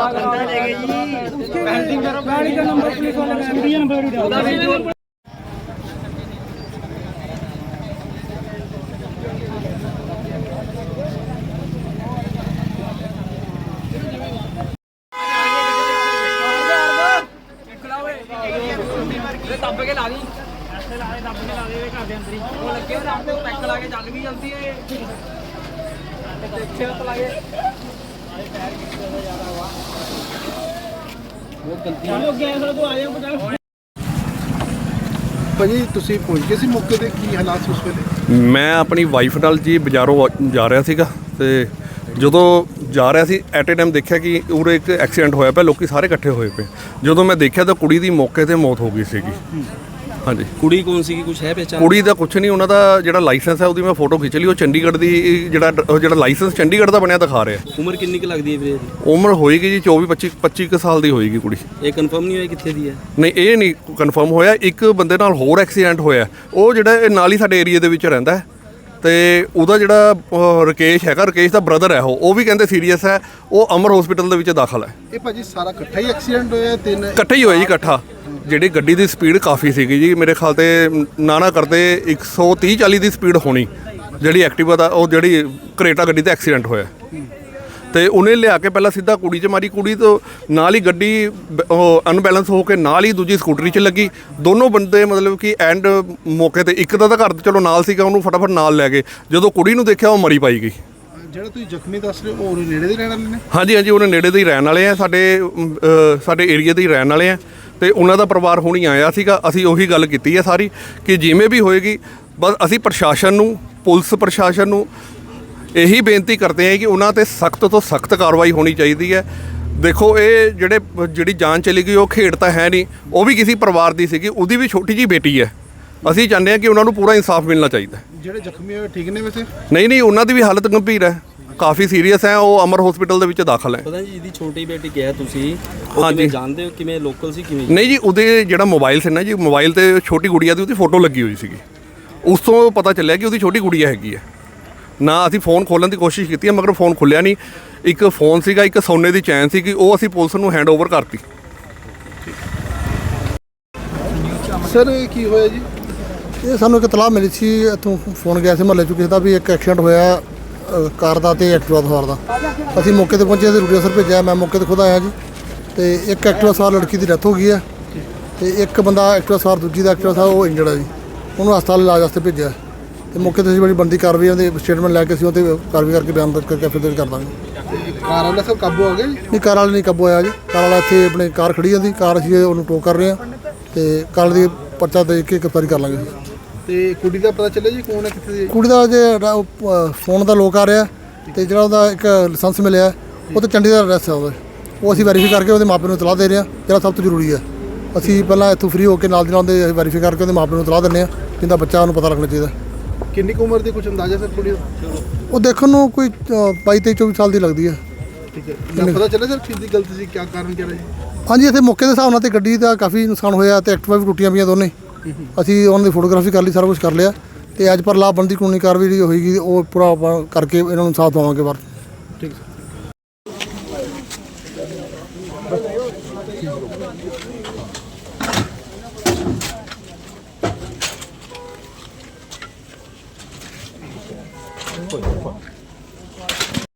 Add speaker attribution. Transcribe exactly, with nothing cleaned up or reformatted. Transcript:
Speaker 1: ਦੱਬ ਕੇ ਲਾ ਦੀ ਐਸੇ ਲਾ ਦੇ ਦੱਬ ਕੇ ਲਾ ਦੇ ਘਰ ਦੇ ਅੰਦਰ ਹੀ ਉਹ ਲੱਗੇ ਰਾਮ ਤੇ ਪੈਕ ਲਾ ਕੇ ਚੱਲ ਵੀ ਜਲਦੀ ਏ ਦੇਖੇ ਤਾਂ ਲਾਗੇ ਆਏ ਪੈਰ ਕਿੱਥੇ ਦਾ ਜ਼ਿਆਦਾ ਵਾ ਉਹ ਗਲਤੀ ਹੋ ਗਿਆ ਸਰ ਤੂੰ ਆ ਜਾ ਪਟਾ
Speaker 2: ਭਾਜੀ ਤੁਸੀਂ ਪਹੁੰਚ ਗਏ ਸੀ ਮੌਕੇ ਤੇ ਕੀ ਹਾਲਾਤ ਉਸ ਵੇਲੇ?
Speaker 3: ਮੈਂ ਆਪਣੀ ਵਾਈਫ ਨਾਲ ਜੀ ਬਾਜ਼ਾਰੋਂ ਜਾ ਰਿਹਾ ਸੀਗਾ ਤੇ ਜਦੋਂ ਜਾ ਰਿਹਾ ਸੀ ਐਟ ਏ ਟਾਈਮ ਦੇਖਿਆ ਕਿ ਉਰੇ ਇੱਕ ਐਕਸੀਡੈਂਟ ਹੋਇਆ ਪਿਆ, ਲੋਕੀ ਸਾਰੇ ਇਕੱਠੇ ਹੋਏ ਪਏ। ਜਦੋਂ ਮੈਂ ਦੇਖਿਆ ਤਾਂ ਕੁੜੀ ਦੀ ਮੌਕੇ ਤੇ ਮੌਤ ਹੋ ਗਈ ਸੀਗੀ। ਹਾਂਜੀ,
Speaker 1: ਕੁੜੀ ਕੌਣ ਸੀਗੀ, ਕੁਝ ਹੈ ਪਹਿਚਾਣ?
Speaker 3: ਕੁੜੀ ਦਾ ਕੁਝ ਨਹੀਂ, ਉਹਨਾਂ ਦਾ ਜਿਹੜਾ ਲਾਇਸੈਂਸ ਹੈ ਉਹਦੀ ਮੈਂ ਫੋਟੋ ਖਿੱਚ ਲਈ। ਉਹ ਚੰਡੀਗੜ੍ਹ ਦੀ ਜਿਹੜਾ ਜਿਹੜਾ ਲਾਇਸੈਂਸ ਚੰਡੀਗੜ੍ਹ ਦਾ ਬਣਿਆ ਦਿਖਾ ਰਿਹਾ।
Speaker 1: ਉਮਰ ਕਿੰਨੀ ਕੁ ਲੱਗਦੀ ਹੈ ਵੀਰੇ?
Speaker 3: ਉਮਰ ਹੋਏਗੀ ਜੀ ਚੌਵੀ ਪੱਚੀ ਪੱਚੀ ਕੁ ਸਾਲ ਦੀ ਹੋਏਗੀ ਕੁੜੀ।
Speaker 1: ਇਹ ਕਨਫਰਮ ਨਹੀਂ ਹੋਇਆ ਕਿੱਥੇ ਦੀ ਹੈ?
Speaker 3: ਨਹੀਂ, ਇਹ ਨਹੀਂ ਕਨਫਰਮ ਹੋਇਆ। ਇੱਕ ਬੰਦੇ ਨਾਲ ਹੋਰ ਐਕਸੀਡੈਂਟ ਹੋਇਆ, ਉਹ ਜਿਹੜਾ ਇਹ ਨਾਲ ਹੀ ਸਾਡੇ ਏਰੀਆ ਦੇ ਵਿੱਚ ਰਹਿੰਦਾ ਤੇ ਉਹਦਾ ਜਿਹੜਾ ਰਕੇਸ਼ ਹੈਗਾ, ਰਕੇਸ਼ ਦਾ ਬ੍ਰਦਰ ਹੈ, ਉਹ ਉਹ ਵੀ ਕਹਿੰਦੇ ਸੀਰੀਅਸ ਹੈ, ਉਹ ਅਮਰ ਹਸਪੀਟਲ ਦੇ ਵਿੱਚ ਦਾਖਲ ਹੈ।
Speaker 2: ਇਹ ਭਾਜੀ ਸਾਰਾ ਇਕੱਠਾ ਹੀ ਐਕਸੀਡੈਂਟ ਹੋਇਆ? ਤਿੰਨ
Speaker 3: ਇਕੱਠੇ ਹੀ ਹੋਇਆ ਜੀ, ਇਕੱਠਾ। ਜਿਹੜੀ ਗੱਡੀ ਦੀ ਸਪੀਡ ਕਾਫੀ ਸੀਗੀ ਜੀ, ਮੇਰੇ ਖਿਆਲ ਤੇ ਨਾ ਨਾ ਕਰਦੇ ਇੱਕ ਸੌ ਤੀਹ ਚਾਲੀ ਦੀ ਸਪੀਡ ਹੋਣੀ ਜਿਹੜੀ ਐਕਟਿਵਾ ਦਾ, ਉਹ ਜਿਹੜੀ ਕਰੇਟਾ ਗੱਡੀ ਤੇ ਐਕਸੀਡੈਂਟ ਹੋਇਆ। ਤੇ ਉਹਨੇ ਲਿਆ ਕੇ ਪਹਿਲਾਂ ਸਿੱਧਾ ਕੁੜੀ 'ਚ ਮਾਰੀ, ਕੁੜੀ ਤੋਂ ਨਾਲ ਹੀ ਗੱਡੀ ਉਹ ਅਨਬੈਲੈਂਸ ਹੋ ਕੇ ਨਾਲ ਹੀ ਦੂਜੀ ਸਕੂਟਰੀ 'ਚ ਲੱਗੀ। ਦੋਨੋਂ ਬੰਦੇ ਮਤਲਬ ਕਿ ਐਂਡ ਮੌਕੇ ਤੇ ਇੱਕ ਦਾ ਤਾਂ ਘਰ ਚਲੋ ਨਾਲ ਸੀਗਾ, ਉਹਨੂੰ ਫਟਾਫਟ ਨਾਲ ਲੈ ਗਏ। ਜਦੋਂ ਕੁੜੀ ਨੂੰ ਦੇਖਿਆ ਉਹ ਮਰੀ ਪਾਈ ਗਈ।
Speaker 2: ਜਿਹੜਾ ਤੁਸੀਂ ਜ਼ਖਮੀ ਦੱਸ ਰਹੇ ਹੋ ਉਹ ਨੇੜੇ ਦੇ ਰਹਿਣ ਵਾਲੇ ਨੇ?
Speaker 3: ਹਾਂਜੀ ਹਾਂਜੀ, ਉਹਨੇ ਨੇੜੇ ਦੇ ਹੀ ਰਹਿਣ ਵਾਲੇ ਆ, ਸਾਡੇ ਸਾਡੇ ਏਰੀਆ ਦੇ ਹੀ ਰਹਿਣ ਵਾਲੇ ਆ। ਤੇ ਉਹਨਾਂ ਦਾ ਪਰਿਵਾਰ ਹੁਣੀ ਆਇਆ ਸੀਗਾ। ਅਸੀਂ ਉਹੀ ਗੱਲ ਕੀਤੀ ਹੈ ਸਾਰੀ ਕਿ ਜਿਵੇਂ ਵੀ ਹੋਏਗੀ, ਬਸ ਅਸੀਂ ਪ੍ਰਸ਼ਾਸਨ ਨੂੰ, ਪੁਲਿਸ ਪ੍ਰਸ਼ਾਸਨ ਨੂੰ ਇਹੀ ਬੇਨਤੀ ਕਰਦੇ ਹਾਂ ਕਿ ਉਹਨਾਂ 'ਤੇ ਸਖਤ ਤੋਂ ਸਖਤ ਕਾਰਵਾਈ ਹੋਣੀ ਚਾਹੀਦੀ ਹੈ। ਦੇਖੋ, ਇਹ ਜਿਹੜੇ ਜਿਹੜੀ ਜਾਨ ਚਲੀ ਗਈ ਉਹ ਖੇਡ ਤਾਂ ਹੈ ਨਹੀਂ, ਉਹ ਵੀ ਕਿਸੇ ਪਰਿਵਾਰ ਦੀ ਸੀਗੀ, ਉਹਦੀ ਵੀ ਛੋਟੀ ਜਿਹੀ ਬੇਟੀ ਹੈ। ਅਸੀਂ ਚਾਹੁੰਦੇ ਹਾਂ ਕਿ ਉਹਨਾਂ ਨੂੰ ਪੂਰਾ ਇਨਸਾਫ ਮਿਲਣਾ ਚਾਹੀਦਾ।
Speaker 2: ਜਿਹੜੇ ਜ਼ਖਮੀ ਹੋਏ ਠੀਕ ਨੇ ਵੈਸੇ?
Speaker 3: ਨਹੀਂ ਨਹੀਂ, ਉਹਨਾਂ ਦੀ ਵੀ ਹਾਲਤ ਗੰਭੀਰ ਹੈ, ਕਾਫੀ ਸੀਰੀਅਸ ਹੈ, ਉਹ ਅਮਰ ਹਸਪੀਟਲ ਦੇ ਵਿੱਚ ਦਾਖਲ ਹੈ।
Speaker 1: ਪਤਾ ਜੀ ਜਿਹਦੀ ਛੋਟੀ ਬੇਟੀ ਕਿਹਾ ਤੁਸੀਂ, ਹਾਂਜੀ ਜਾਣਦੇ ਹੋ ਕਿਵੇਂ, ਲੋਕਲ ਸੀ ਕਿਵੇਂ?
Speaker 3: ਨਹੀਂ ਜੀ, ਉਹਦੇ ਜਿਹੜਾ ਮੋਬਾਈਲ ਸੀ ਨਾ ਜੀ, ਮੋਬਾਈਲ ਤੇ ਛੋਟੀ ਗੁੜੀਆ ਦੀ ਉਹਦੀ ਫੋਟੋ ਲੱਗੀ ਹੋਈ ਸੀਗੀ। ਉਸ ਤੋਂ ਪਤਾ ਚੱਲਿਆ ਕਿ ਉਹਦੀ ਛੋਟੀ ਗੁੜੀਆ ਹੈਗੀ ਹੈ। ਨਾ ਅਸੀਂ ਫ਼ੋਨ ਖੋਲ੍ਹਣ ਦੀ ਕੋਸ਼ਿਸ਼ ਕੀਤੀ ਹੈ, ਮਗਰ ਫ਼ੋਨ ਖੁੱਲਿਆ ਨਹੀਂ। ਇੱਕ ਫ਼ੋਨ ਸੀਗਾ, ਇੱਕ ਸੋਨੇ ਦੀ ਚੈਨ ਸੀਗੀ, ਉਹ ਅਸੀਂ ਪੁਲਿਸ ਨੂੰ ਹੈਂਡ ਓਵਰ ਕਰਤੀ।
Speaker 2: ਸਰ ਇਹ ਕੀ ਹੋਇਆ ਜੀ?
Speaker 4: ਇਹ ਸਾਨੂੰ ਇੱਕ ਇਤਲਾਹ ਮਿਲੀ ਸੀ, ਇੱਥੋਂ ਫੋਨ ਗਿਆ ਸੀ ਮਹੱਲੇ 'ਚੋਂ ਕਿਸੇ ਦਾ ਵੀ ਇੱਕ ਐਕਸੀਡੈਂਟ ਹੋਇਆ ਕਾਰ ਦਾ ਤੇ ਐਕਟਿਵਾ ਸਵਾਰ ਦਾ। ਅਸੀਂ ਮੌਕੇ 'ਤੇ ਪਹੁੰਚੇ, ਅਸੀਂ ਰੂਟੀਆ ਸਰ ਭੇਜਿਆ, ਮੈਂ ਮੌਕੇ 'ਤੇ ਖੁਦ ਆਇਆ ਜੀ। ਤੇ ਇੱਕ ਐਕਟਿਵਾ ਸਵਾਰ ਲੜਕੀ ਦੀ ਡੈਥ ਹੋ ਗਈ ਹੈ ਤੇ ਇੱਕ ਬੰਦਾ ਐਕਟਿਵਾ ਸਵਾਰ ਦੂਜੀ ਦਾ ਐਕਟਿਵਾ ਸਵਾਰ ਉਹ ਇੰਜਰਡ ਹੈ ਜੀ, ਉਹਨੂੰ ਹਸਪਤਾਲ ਇਲਾਜ ਵਾਸਤੇ ਭੇਜਿਆ। ਤੇ ਮੌਕੇ 'ਤੇ ਅਸੀਂ ਬੜੀ ਬੰਦੀ ਕਾਰਵਾਈ ਉਹਦੇ ਸਟੇਟਮੈਂਟ ਲੈ ਕੇ ਅਸੀਂ ਉਹਤੇ ਕਾਰਵਾਈ ਕਰਕੇ ਬਿਆਨ ਦਰਜ ਕਰਕੇ ਫਿਰ ਕਰ ਦਾਂਗੇ।
Speaker 2: ਕਾਰ ਵਾਲਾ ਸਭ ਕਾਬੂ ਹੋ ਗਿਆ?
Speaker 4: ਨਹੀਂ, ਕਾਰ ਵਾਲਾ ਨਹੀਂ ਕਾਬੂ ਹੋਇਆ ਜੀ। ਕਾਰ ਵਾਲਾ ਇੱਥੇ ਆਪਣੇ ਕਾਰ ਖੜੀ ਜਾਂਦੀ, ਕਾਰ ਅਸੀਂ ਉਹਨੂੰ ਟੋਕ ਕਰ ਰਹੇ ਹਾਂ ਤੇ ਕਾਰ ਦੀ ਪਰਚਾ ਦੇ ਕੇ ਗ੍ਰਿਫਤਾਰੀ ਕਰ ਲਾਂਗੇ ਜੀ।
Speaker 2: ਤੇ ਕੁੜੀ ਦਾ ਪਤਾ ਚੱਲਿਆ ਜੀ ਕੌਣ ਹੈ, ਕਿੱਥੇ ਦੀ?
Speaker 4: ਕੁੜੀ ਦਾ ਜੇ ਫੋਨ ਦਾ ਲੋਕ ਆ ਰਿਹਾ ਤੇ ਜਿਹੜਾ ਉਹਦਾ ਇੱਕ ਲਾਇਸੈਂਸ ਮਿਲਿਆ ਉਹ ਤਾਂ ਚੰਡੀਗੜ੍ਹ ਐਡਰੈਸ ਹੈ ਉਹਦਾ, ਉਹ ਅਸੀਂ ਵੈਰੀਫਾਈ ਕਰਕੇ ਉਹਦੇ ਮਾਪਿਆਂ ਨੂੰ ਇਤਲਾਹ ਦੇ ਰਹੇ ਹਾਂ, ਜਿਹੜਾ ਸਭ ਤੋਂ ਜ਼ਰੂਰੀ ਹੈ। ਅਸੀਂ ਪਹਿਲਾਂ ਇੱਥੋਂ ਫ੍ਰੀ ਹੋ ਕੇ ਨਾਲ ਦੀ ਨਾਲ ਉਹਦੇ ਵੈਰੀਫਾਈ ਕਰਕੇ ਉਹਦੇ ਮਾਪਿਆਂ ਨੂੰ ਇਤਲਾਹ ਦਿੰਦੇ ਹਾਂ, ਜਿੰਦਾ ਬੱਚਾ ਉਹਨੂੰ ਪਤਾ ਲੱਗਣਾ ਚਾਹੀਦਾ।
Speaker 2: ਕਿੰਨੀ ਕੁ ਉਮਰ ਦੀ ਕੁਝ ਅੰਦਾਜ਼ਾ ਸਰ ਕੁੜੀ ਦਾ?
Speaker 4: ਉਹ ਦੇਖਣ ਨੂੰ ਕੋਈ ਬਾਈ ਤੇਈ ਚੌਵੀ ਸਾਲ ਦੀ ਲੱਗਦੀ ਹੈ।
Speaker 2: ਠੀਕ ਹੈ, ਪਤਾ ਚੱਲਿਆ ਸਰ ਕਿਸ ਦੀ ਗਲਤੀ ਸੀ, ਕੀ ਕਾਰਨ ਕਿਹੜਾ ਜੀ?
Speaker 4: ਹਾਂਜੀ, ਇੱਥੇ ਮੌਕੇ ਦੇ ਹਿਸਾਬ ਨਾਲ ਤੇ ਗੱਡੀ ਦਾ ਕਾਫੀ ਨੁਕਸਾਨ ਹੋਇਆ ਤੇ ਐਕਟਿਵਾ ਵੀ ਟੁੱਟੀਆਂ ਪਈਆਂ ਦੋਨੇ। ਅਸੀਂ ਉਹਨਾਂ ਦੀ ਫੋਟੋਗ੍ਰਾਫੀ ਕਰ ਲਈ, ਸਾਰਾ ਕੁਝ ਕਰ ਲਿਆ ਤੇ ਅੱਜ ਪਰ ਲਾਭਬੰਦੀ ਕਾਨੂੰਨੀ ਕਾਰਵਾਈ ਜਿਹੜੀ ਹੋਏਗੀ ਉਹ ਪੂਰਾ ਆਪਾਂ ਕਰਕੇ ਇਹਨਾਂ ਨੂੰ ਸਾਥ ਦਵਾਂਗੇ ਬਾਹਰ।
Speaker 2: ਠੀਕ ਹੈ।